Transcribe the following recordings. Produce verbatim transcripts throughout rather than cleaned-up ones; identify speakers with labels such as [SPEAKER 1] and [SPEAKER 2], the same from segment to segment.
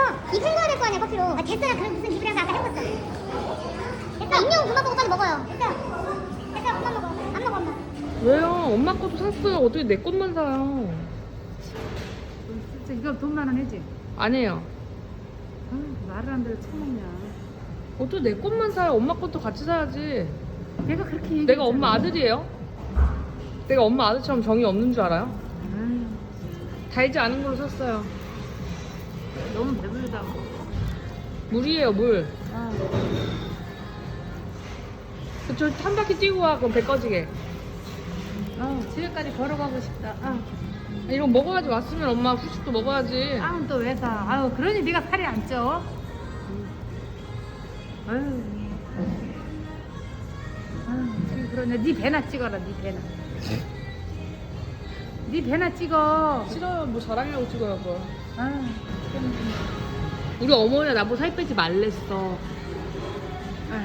[SPEAKER 1] 입 헹궈야 될 거 아니야 커피로. 아 됐어요. 그럼 무슨 입을 해서 아까 헹궜어. 됐어. 입용 그만 보고 빨리 먹어요. 됐어요. 됐어요. 그만 먹어. 안 먹어 엄마.
[SPEAKER 2] 왜요? 엄마 것도 샀어요. 어떻게 내 것만 사요?
[SPEAKER 3] 진짜 이거 돈 많은 애지?
[SPEAKER 2] 아니에요.
[SPEAKER 3] 아, 말을 안 들어 처먹냐.
[SPEAKER 2] 어떻게 내 것만 사요? 엄마 것도 같이 사야지.
[SPEAKER 3] 내가 그렇게 얘기했잖아.
[SPEAKER 2] 내가 엄마 아들이에요? 내가 엄마 아들처럼 정이 없는 줄 알아요?
[SPEAKER 3] 아유,
[SPEAKER 2] 달지 않은 걸로 샀어요.
[SPEAKER 3] 너무 배부르다고.
[SPEAKER 2] 물이에요, 물.
[SPEAKER 3] 아,
[SPEAKER 2] 저 한 바퀴 뛰고 와, 그럼 배 꺼지게.
[SPEAKER 3] 아, 집에까지 걸어가고 싶다. 아,
[SPEAKER 2] 이거 먹어야지. 왔으면 엄마 후식도 먹어야지.
[SPEAKER 3] 아, 또 왜 사? 아유, 그러니 네가 살이 안 쪄. 아유, 아유, 지금 그러네. 네 배나 찍어라, 네 배나. 네 배나 찍어.
[SPEAKER 2] 싫어요. 뭐 자랑이라고 찍어요, 그걸.
[SPEAKER 3] 아유,
[SPEAKER 2] 우리 어머니가 나보고 살 빼지 말랬어.
[SPEAKER 3] 아유.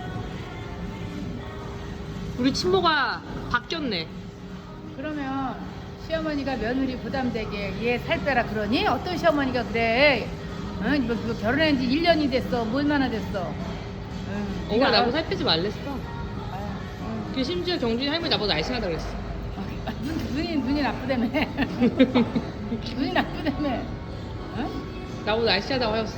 [SPEAKER 2] 우리 친모가 바뀌었네.
[SPEAKER 3] 그러면 시어머니가 며느리 부담되게 얘 살 빼라 그러니? 어떤 시어머니가 그래? 응? 뭐, 뭐 결혼한 지 일 년이 됐어. 뭐 얼마나 됐어? 응.
[SPEAKER 2] 엄마
[SPEAKER 3] 네가
[SPEAKER 2] 나보고 살 빼지 말랬어.
[SPEAKER 3] 아유, 응.
[SPEAKER 2] 그 심지어 정준이 할머니 나보고 날씬하다 그랬어.
[SPEAKER 3] 아, 눈, 눈이 눈이 나쁘다며. 눈이 나쁘다며. 응?
[SPEAKER 2] 나보고 날씬하다고 하였어.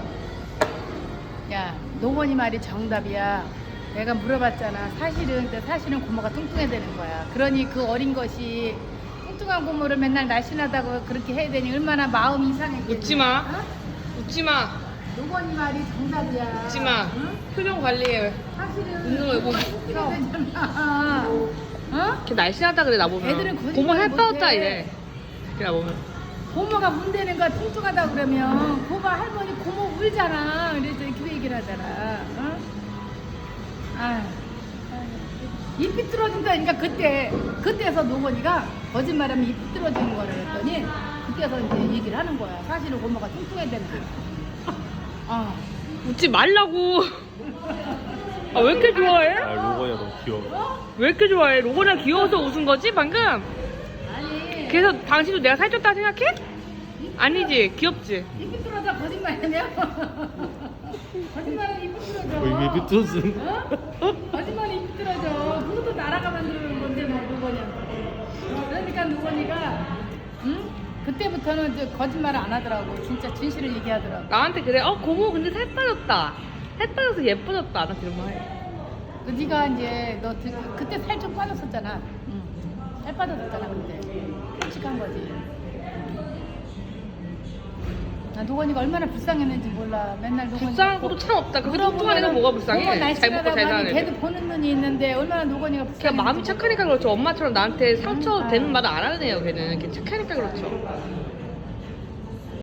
[SPEAKER 3] 야, 노건이 말이 정답이야. 내가 물어봤잖아. 사실은 근데 사실은 고모가 뚱뚱해야 되는 거야. 그러니 그 어린 것이 뚱뚱한 고모를 맨날 날씬하다고 그렇게 해야 되니 얼마나 마음이 이상했겠니?
[SPEAKER 2] 웃지 마.
[SPEAKER 3] 어?
[SPEAKER 2] 웃지 마.
[SPEAKER 3] 노건이 말이 정답이야.
[SPEAKER 2] 웃지 마.
[SPEAKER 3] 응?
[SPEAKER 2] 표정 관리해.
[SPEAKER 3] 사실은
[SPEAKER 2] 웃는 거 이거
[SPEAKER 3] 뚱뚱해야 되잖아. 어?
[SPEAKER 2] 이렇게 날씬하다 그래 나보면.
[SPEAKER 3] 애들은 거짓말
[SPEAKER 2] 고모 살
[SPEAKER 3] 못해.
[SPEAKER 2] 빠졌다 이래. 이렇게 나보면.
[SPEAKER 3] 고모가 문대는 거 뚱뚱하다 그러면 고모 할머니 고모 울잖아. 그래서 이렇게 얘기를 하잖아. 어? 아휴, 입 삐뚤어진다니까 그때 그때서 노건이가 거짓말하면 입 삐뚤어지는 거라 했더니 그때서 이제 얘기를 하는 거야. 사실은 고모가 뚱뚱해야 된다. 어.
[SPEAKER 2] 웃지 말라고. 아 왜 이렇게 좋아해?
[SPEAKER 4] 아 로건이가 너무 귀여워.
[SPEAKER 2] 왜 이렇게 좋아해? 로건이가 귀여워서 웃은 거지 방금?
[SPEAKER 3] 아니
[SPEAKER 2] 그래서 당신도 내가 살쪘다 생각해? 아니지 귀엽지?
[SPEAKER 3] 입 삐뚤어져 거짓말이냐? 거짓말은 입 삐뚤어져.
[SPEAKER 4] 어, 이미 삐뚤어진.
[SPEAKER 3] 어? 거짓말이 입 삐뚤어져. 그것도 나라가 만드는 건데 뭐 노건이야. 그러니까 노건이가 응? 그때부터는 이제 거짓말을 안 하더라고. 진짜 진실을 얘기하더라고.
[SPEAKER 2] 나한테 그래. 어 고모 근데 살 빠졌다. 살 빠져서 예뻐졌다. 나 그런 말 해.
[SPEAKER 3] 그 네가 이제 너 드- 그때 살 좀 빠졌었잖아. 응. 살 빠졌었잖아 그때. 솔직한 거지. 나 노건이가 얼마나 불쌍했는지 몰라. 맨날 노건이
[SPEAKER 2] 불쌍한 것도 참 없다. 그렇게 뚱뚱한 애가 뭐가 불쌍해? 잘 먹고 잘 사는
[SPEAKER 3] 걔도
[SPEAKER 2] 애들.
[SPEAKER 3] 보는 눈이 있는데 얼마나 노건이가 불쌍해.
[SPEAKER 2] 그냥 마음이 착하니까 그렇죠. 엄마처럼 나한테 상처
[SPEAKER 3] 응.
[SPEAKER 2] 되는 말을 안 하는 애요. 걔는 걔 착하니까 그렇죠.